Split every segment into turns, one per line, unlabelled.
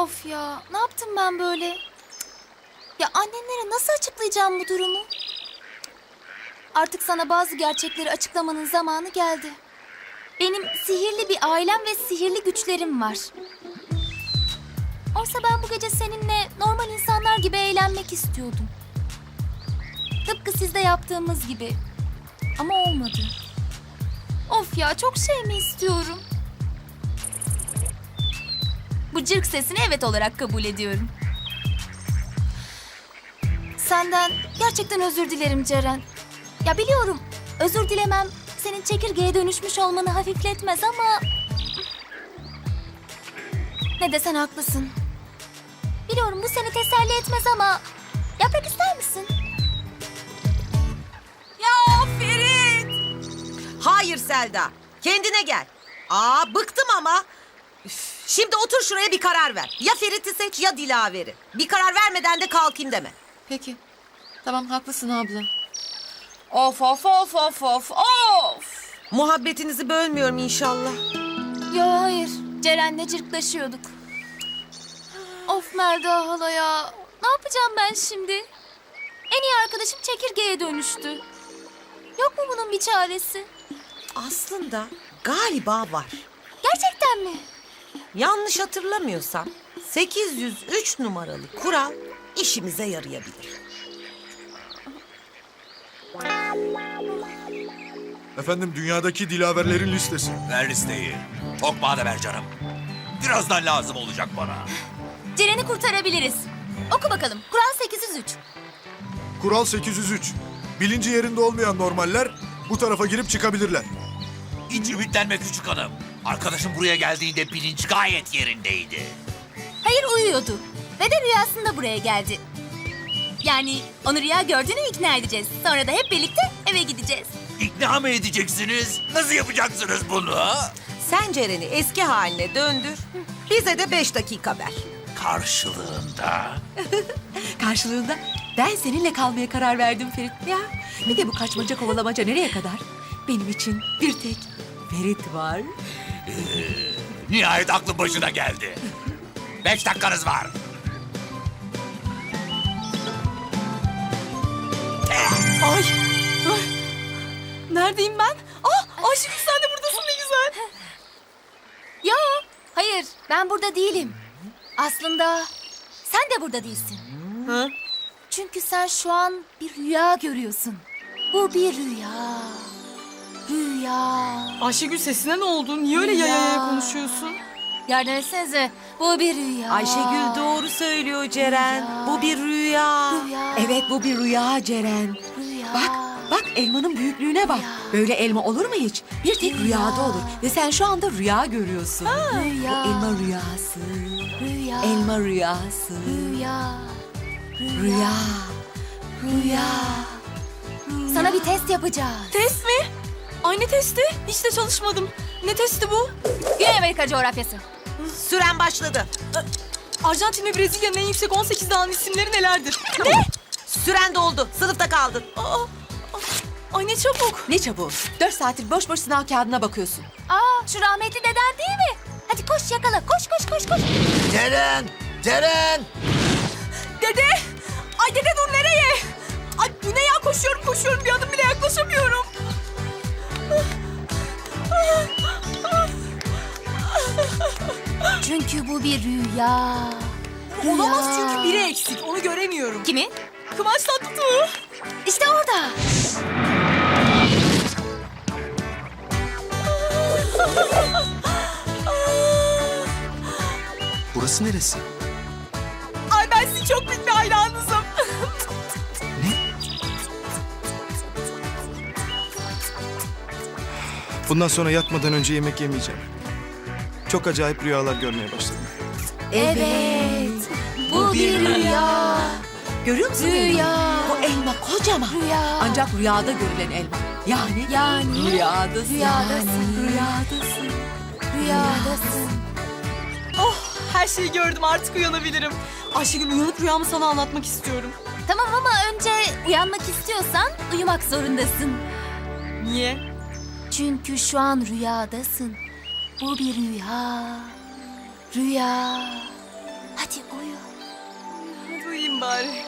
Of ya, ne yaptım ben böyle? Ya annenlere nasıl açıklayacağım bu durumu? Artık sana bazı gerçekleri açıklamanın zamanı geldi. Benim sihirli bir ailem ve sihirli güçlerim var. Oysa ben bu gece seninle normal insanlar gibi eğlenmek istiyordum. Tıpkı sizde yaptığımız gibi. Ama olmadı. Of ya, çok şey mi istiyorum? Bu cırk sesini evet olarak kabul ediyorum. Senden gerçekten özür dilerim Ceren. Ya biliyorum, özür dilemem senin çekirgeye dönüşmüş olmanı hafifletmez ama... Ne desen haklısın. Biliyorum bu seni teselli etmez ama... Yaprak ister misin?
Ya Ferit! Hayır Selda, kendine gel. Bıktım ama. Üf, şimdi otur şuraya bir karar ver. Ya Ferit'i seç ya Dilaver'i. Bir karar vermeden de kalkayım deme.
Peki. Tamam, haklısın abla. Of of of of of of.
Muhabbetinizi bölmüyorum inşallah.
Yo hayır, Ceren'le cırklaşıyorduk. Of Melda hala ya. Ne yapacağım ben şimdi? En iyi arkadaşım çekirgeye dönüştü. Yok mu bunun bir çaresi?
Aslında galiba var.
Gerçekten mi?
Yanlış hatırlamıyorsam 803 numaralı kural işimize yarayabilir.
Efendim dünyadaki dilaverlerin listesi.
Ver listeyi. Çok bana ver canım. Birazdan lazım olacak bana.
Ceren'i kurtarabiliriz. Oku bakalım. Kural 803.
Kural 803. Bilinci yerinde olmayan normaller bu tarafa girip çıkabilirler.
Hiç ümitlenme küçük hanım. Arkadaşım buraya geldiğinde bilinç gayet yerindeydi.
Hayır, uyuyordu. Ve de rüyasında buraya geldi. Yani onu rüya gördüğüne ikna edeceğiz. Sonra da hep birlikte eve gideceğiz.
İkna mı edeceksiniz? Nasıl yapacaksınız bunu?
Sen Ceren'i eski haline döndür. Bize de 5 dakika ver.
Karşılığında.
Karşılığında ben seninle kalmaya karar verdim Ferit. Ya bir de bu kaçmaca kovalamaca nereye kadar? Benim için bir tek Ferit var.
Nihayet aklın başına geldi. 5 dakikanız var.
Ay. Neredeyim ben? Ayşegül sen de buradasın, ne güzel.
Yo, hayır. Ben burada değilim. Aslında sen de burada değilsin.
Hı?
Çünkü sen şu an bir rüya görüyorsun. Bu bir rüya. Rüya.
Ayşegül sesine ne oldu? Niye öyle yaya konuşuyorsun?
Yardım etsenize. Bu bir rüya.
Ayşegül doğru söylüyor Ceren.
Rüya.
Bu bir rüya.
Rüya.
Evet, bu bir rüya Ceren.
Rüya.
Bak elmanın büyüklüğüne bak. Böyle elma olur mu hiç? Bir tek rüyada olur. Ve sen şu anda rüya görüyorsun.
Rüya.
Bu elma rüyası.
Rüya.
Elma rüyası.
Rüya.
Rüya. Rüya.
Sana bir test yapacağız.
Test mi? Ay ne testi? Hiç de çalışmadım. Ne testi bu?
Güney Amerika coğrafyası.
Süren başladı.
Arjantin ve Brezilya'nın en yüksek 18 dağın isimleri nelerdir?
Süren doldu. Sınıfta kaldın.
Ay ne çabuk.
Ne çabuk. 4 saattir boş boş sınav kağıdına bakıyorsun.
Şu rahmetli deden değil mi? Hadi koş yakala. Koş koş koş koş.
Ceren! Ceren!
Dede! Ay dede dur, nereye? Ay bu ne ya, koşuyorum bir adım bile yaklaşamıyorum.
Çünkü bu bir rüya.
Olamaz çünkü biri eksik, onu göremiyorum.
Kimin?
Kıvanç Tatlıtuğ.
İşte orada.
Burası neresi?
Ay ben sizin çok büyük bir hayranınızım.
Bundan sonra yatmadan önce yemek yemeyeceğim. Çok acayip rüyalar görmeye başladım.
Evet. Bu bir rüya.
Görüyor musun?
Rüya.
O elma kocaman.
Rüya.
Ancak rüyada görülen elma. Yani rüyadasın.
Rüyadasın.
Rüyadasın.
Rüyadasın.
Oh, her şeyi gördüm, artık uyanabilirim. Ayşegül, uyanıp rüyamı sana anlatmak istiyorum.
Tamam ama önce uyanmak istiyorsan uyumak zorundasın.
Niye?
Çünkü şu an rüyadasın. Bu bir rüya. Rüya. Hadi uyu.
Hadi uyuyayım bari.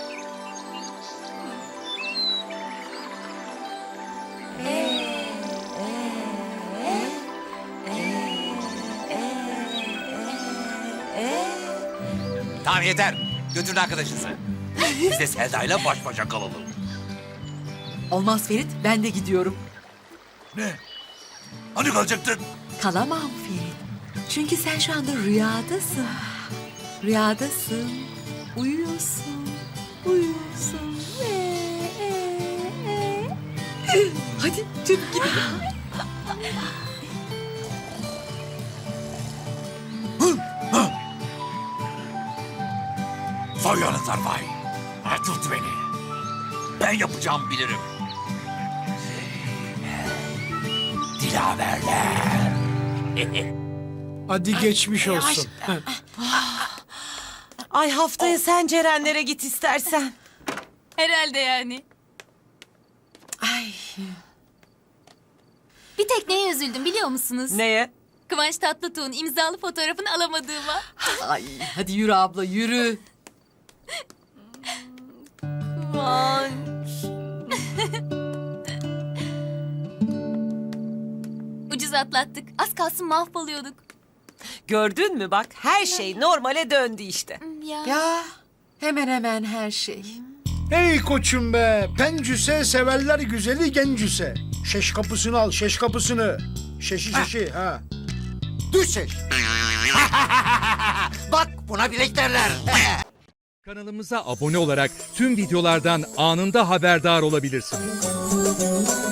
Tamam yeter. Götürün arkadaşınızı. Biz de Selda'yla baş başa kalalım.
Olmaz Ferit, ben de gidiyorum.
Ne? Hani kalacaktın?
Kalamam Ferit. Çünkü sen şu anda rüyadasın. Rüyadasın. Uyuyorsun. Uyuyorsun. Hadi çabuk gidelim.
Soyuyorlar vay. Tut beni. Ben yapacağım bilirim. Dilaverler.
Hadi geçmiş olsun.
Ay haftaya sen Cerenlere git istersen.
Herhalde yani.
Ay.
Bir tek neye üzüldüm biliyor musunuz?
Neye?
Kıvanç Tatlıtuğ'un imzalı fotoğrafını alamadığıma.
Ay, hadi yürü abla yürü.
Kıvanç.
Ucuz atlattık. Az kalsın mahvoluyorduk.
Gördün mü bak her şey normale döndü işte.
Ya.
Ya hemen hemen her şey.
Hey koçum be. Pencüse severler güzeli gencüse. Şeş kapısını al, şeş kapısını. Şeşi ha.
Düş ses. Bak buna bilek derler.
Kanalımıza abone olarak tüm videolardan anında haberdar olabilirsiniz.